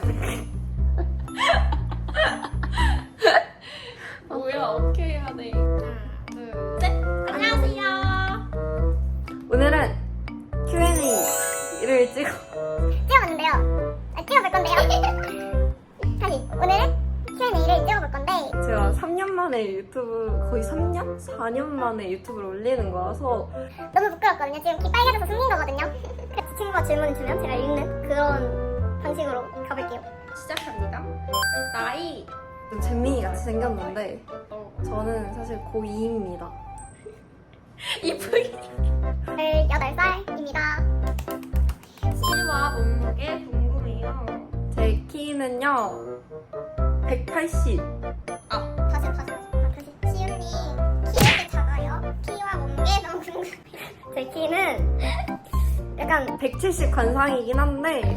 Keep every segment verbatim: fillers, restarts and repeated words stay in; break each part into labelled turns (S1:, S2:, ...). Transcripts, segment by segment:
S1: 뭐야, 어떻게 해야 돼? 하나, 둘, 셋. 안녕하세요.
S2: 오늘은 큐 앤 에이를 찍어
S3: 찍어봤는데요. 아, 찍어볼 건데요. 다시 오늘은 큐 앤 에이를 찍어볼 건데
S2: 제가 삼 년 만에 유튜브 거의 삼 년? 사 년 만에 유튜브를 올리는 거라서
S3: 너무 부끄럽거든요. 지금 귀 빨개져서 숨긴 거거든요. 그래서 친구가 질문을 주면 제가 읽는 그런 방식으로 가볼게요.
S1: 시작합니다. 나이.
S2: 좀 잼민이 같이 생겼는데
S1: 어.
S2: 저는 사실 고이입니다.
S1: 이쁘게.
S3: 열여덟 살입니다.
S1: 키와 몸무게 궁금해요.
S2: 제 키는요 백팔십.
S3: 다시 다시 다시. 시윤님 키 왜 작아요? 키와 몸무게 너무 궁금해요. 제 키는 약간
S2: 백칠십 관상이긴 한데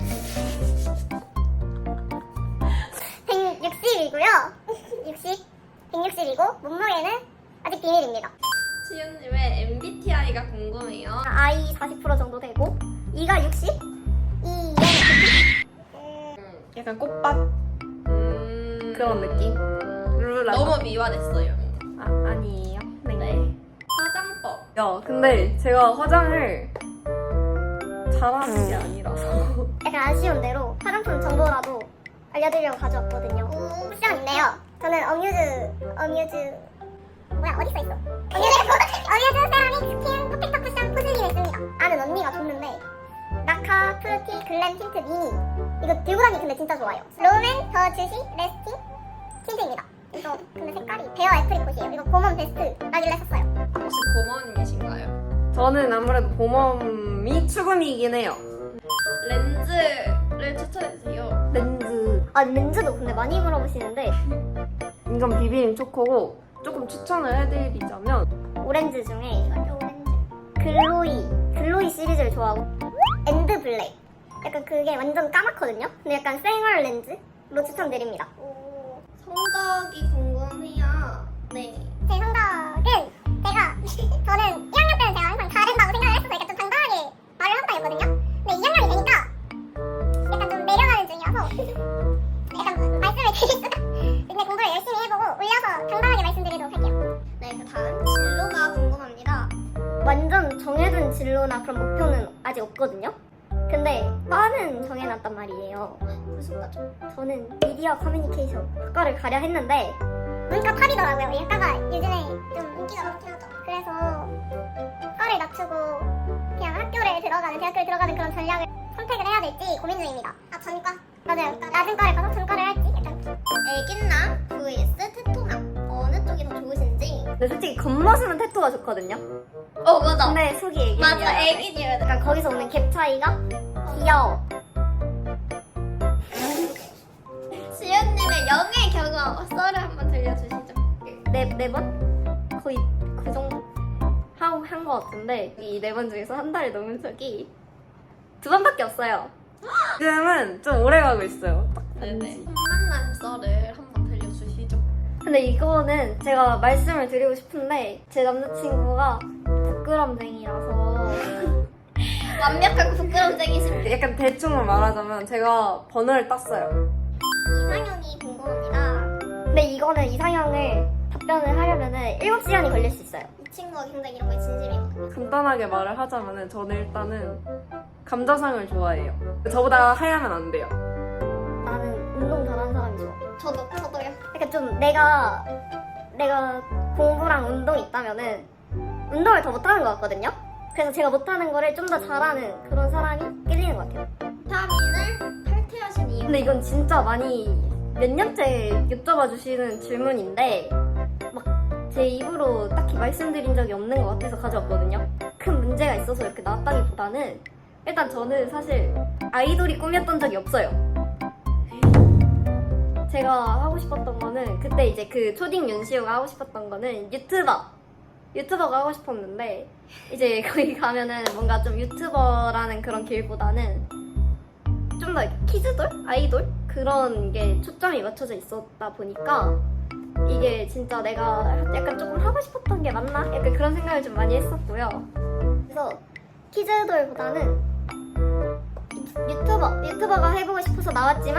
S3: 백육십이고요. 육십, 백육십이고 몸무게는 아직 비밀입니다.
S1: 시윤님의 엠비티아이가 궁금해요.
S3: I 사십 퍼센트 정도 되고 E가 육십, E
S2: 약간 꽃밭
S1: 음...
S2: 그런 느낌? 룰라
S1: 너무 미화됐어요.
S2: 아, 아니에요. 네.
S1: 네. 화장법.
S2: 야 근데 제가 화장을 잘하는 게 아니라서
S3: 약간 아쉬운 대로 화장품 정보라도 알려드리려고 가져왔거든요. 쿠션인데요. 저는 어뮤즈, 어뮤즈, 뭐야, 어디 써있어? 어뮤즈, 어뮤즈 세라믹 스킨 퍼펙터 쿠션 포슬린을 씁니다. 아는 언니가 줬는데, 나카 프루티 글램 틴트 미니. 이거 들고 다니기 근데 진짜 좋아요. 롬앤 더 주시 레스팅 틴트입니다. 이거 근데 색깔이 베어 애프리콧이에요. 이거 봄원 베스트 나길래 샀어요.
S1: 혹시 고모님이신가요?
S2: 저는 아무래도 봄웜이 추금이긴 해요.
S1: 렌즈를 추천해주세요.
S2: 렌즈
S3: 아, 렌즈도 근데 많이 물어보시는데,
S2: 인간 비비림 초코고 조금 추천을 해드리자면
S3: 오렌지 중에 글로이 글로이 시리즈를 좋아하고 엔드 블랙 약간 그게 완전 까맣거든요. 근데 약간 생얼 렌즈로 추천드립니다.
S1: 성적이 궁금해요. 네.
S3: 제 성적은 제가 저는 일 학년 때는 제가 항상 잘한다고 생각을 했어서 약간 좀 당당하게 말을 한다 했거든요. 근데 이 학년이 되니까 약간 좀 내려가는 중이어서 약간 말씀을 드릴 수가 근데 공부를 열심히 해보고 올려서 당당하게 말씀드리도록 할게요.
S1: 네, 그 다음 진로가 궁금합니다.
S3: 완전 정해둔 진로나 그런 목표는 아직 없거든요. 근데 과는 정해놨단 말이에요.
S1: 무슨 과죠?
S3: 저는 미디어 커뮤니케이션 학과를 가려 했는데 문과 탑이더라고요. 이 학과가 요즘에 좀 인기가 많긴 하죠. 그래서 과를 낮추고 그냥 학교를 들어가는 대학교를 들어가는 그런 전략을 선택을 해야 될지 고민 중입니다. 아 전과? 맞아요. 낮은 과를 가서 전과를 할지 약간
S1: 애견남 vs 테토남 어느 쪽이 더 좋으신지.
S2: 근데 솔직히 겉모습은 태토가 좋거든요.
S1: 어 맞아.
S3: 근데 속이 애기
S1: 맞아 애기녀.
S3: 약간 거기서 오는 갭 차이가 귀여워.
S1: 시윤님의 연애 경험 썰을 한번 들려주시죠.
S3: 네, 네 번? 거의 그 정도? 하고 한 것 같은데 이 네 번 중에서 한 달이 넘은 적이 두 번밖에 없어요.
S2: 지금은 좀 오래 가고 있어요. 딱
S1: 네네. 첫 만남 썰을 한번 들려주시죠.
S3: 근데 이거는 제가 말씀을 드리고 싶은데 제 남자친구가 부끄럼쟁이라서
S1: 완벽하고 부끄럼쟁이십니다.
S2: 약간 대충 말하자면 제가 번호를 땄어요.
S1: 이상형이 궁금합니다.
S3: 근데 이거는 이상형을 답변을 하려면은 일곱 시간이 걸릴 수 있어요.
S1: 이 친구가 굉장히 이런 거에 진심이거든요.
S2: 간단하게 말을 하자면은 저는 일단은 감자상을 좋아해요. 저보다 하얘면 안 돼요.
S3: 나는 운동 잘하는 사람이 좋아.
S1: 저도 저도요.
S3: 그러니까 좀 내가 내가 공부랑 운동이 있다면은 운동을 더 못하는 것 같거든요. 그래서 제가 못하는 거를 좀 더 잘하는 그런 사람이 끌리는 것 같아요.
S1: 비타민을 탈퇴하신 이유.
S3: 근데 이건 진짜 많이 몇 년째 여쭤봐 주시는 질문인데 막 제 입으로 딱히 말씀드린 적이 없는 것 같아서 가져왔거든요. 큰 문제가 있어서 이렇게 나왔다기보다는 일단 저는 사실 아이돌이 꿈이었던 적이 없어요. 제가 하고 싶었던 거는 그때 이제 그 초딩 윤시호가 하고 싶었던 거는 유튜버 유튜버가 하고 싶었는데 이제 거기 가면은 뭔가 좀 유튜버라는 그런 길보다는 좀 더 키즈돌? 아이돌? 그런 게 초점이 맞춰져 있었다 보니까 이게 진짜 내가 약간 조금 하고 싶었던 게 맞나? 약간 그런 생각을 좀 많이 했었고요. 그래서 키즈돌보다는 유튜버, 유튜버가 해보고 싶어서 나왔지만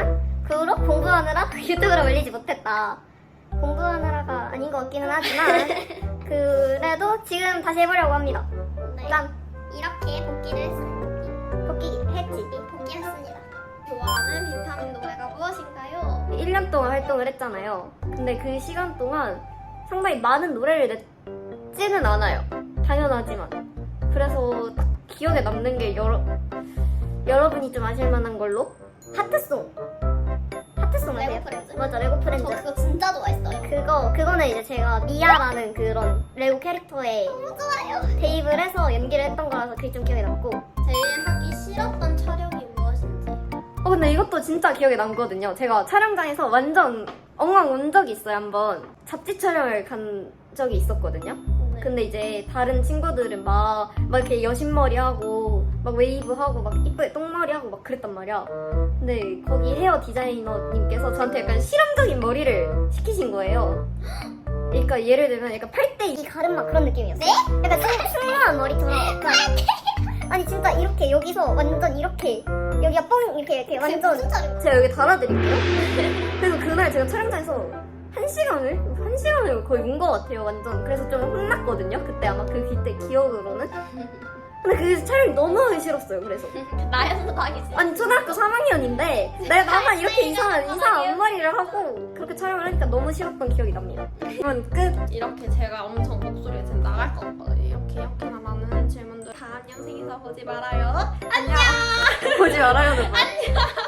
S3: 그 후로 공부하느라 유튜브를 올리지 못했다. 공부하느라가 아닌 것 같기는 하지만 그래도 지금 다시 해보려고 합니다.
S1: 네.
S3: 난
S1: 이렇게 복귀를 했습니다.
S3: 복귀했지.
S1: 복귀했습니다. 좋아하는 비타민 노래가 무엇인가요?
S2: 일 년 동안 활동을 했잖아요. 근데 그 시간 동안 상당히 많은 노래를 냈지는 않아요. 당연하지만. 그래서 기억에 남는 게 여러, 여러분이 좀 아실 만한 걸로
S3: 하트송. 하트송
S1: 레고
S3: 아세요?
S1: 프렌즈?
S3: 맞아, 레고 프렌즈.
S1: 저 그거 진짜 좋아했어요.
S3: 그거, 그거는 이제 제가 미아라는 그런 레고 캐릭터에
S1: 너무 좋아요.
S3: 대입을 해서 연기를 했던 거라서 그게 좀 기억에 남고.
S1: 제일 하기 싫었던 촬영이 무엇인지.
S2: 어 근데 이것도 진짜 기억에 남거든요. 제가 촬영장에서 완전 엉망 온 적이 있어요. 한번 잡지 촬영을 간 적이 있었거든요.
S1: 네.
S2: 근데 이제 다른 친구들은 막, 막 이렇게 여신머리 하고 막 웨이브 하고 막 이쁘게 똥머리 하고 막 그랬단 말이야. 근데 거기 헤어 디자이너님께서 저한테 약간 실험적인 머리를 시키신 거예요. 그러니까 예를 들면 약간 팔대
S3: 이 가르마 그런 느낌이었어.
S1: 네?
S3: 약간 승, 승무한 머리처럼. 약간 아니 진짜 이렇게 여기서 완전 이렇게 여기가 뻥 이렇게 이렇게 완전
S1: 무슨 촬영?
S2: 제가 여기 달아드릴게요. 그래서 그날 제가 촬영장에서 한 시간을? 한 시간을 거의 온 것 같아요, 완전. 그래서 좀 혼났거든요, 그때 아마 그 그때 기억으로는. 근데 그 촬영이 너무 하기 싫었어요, 그래서.
S1: 나연도 하기 싫어.
S2: 아니, 초등학교 삼 학년인데, 내가 나만 이렇게 이상한, 이상한 앞머리를 하고, 그렇게 촬영을 하니까 너무 싫었던 기억이 납니다. 그러면 끝!
S4: 이렇게 제가 엄청 목소리가 지금 나갈 것 같거든요. 이렇게 이렇게나 많은 질문들 다음 영상에서 보지 말아요.
S2: 보지 말아요, 너.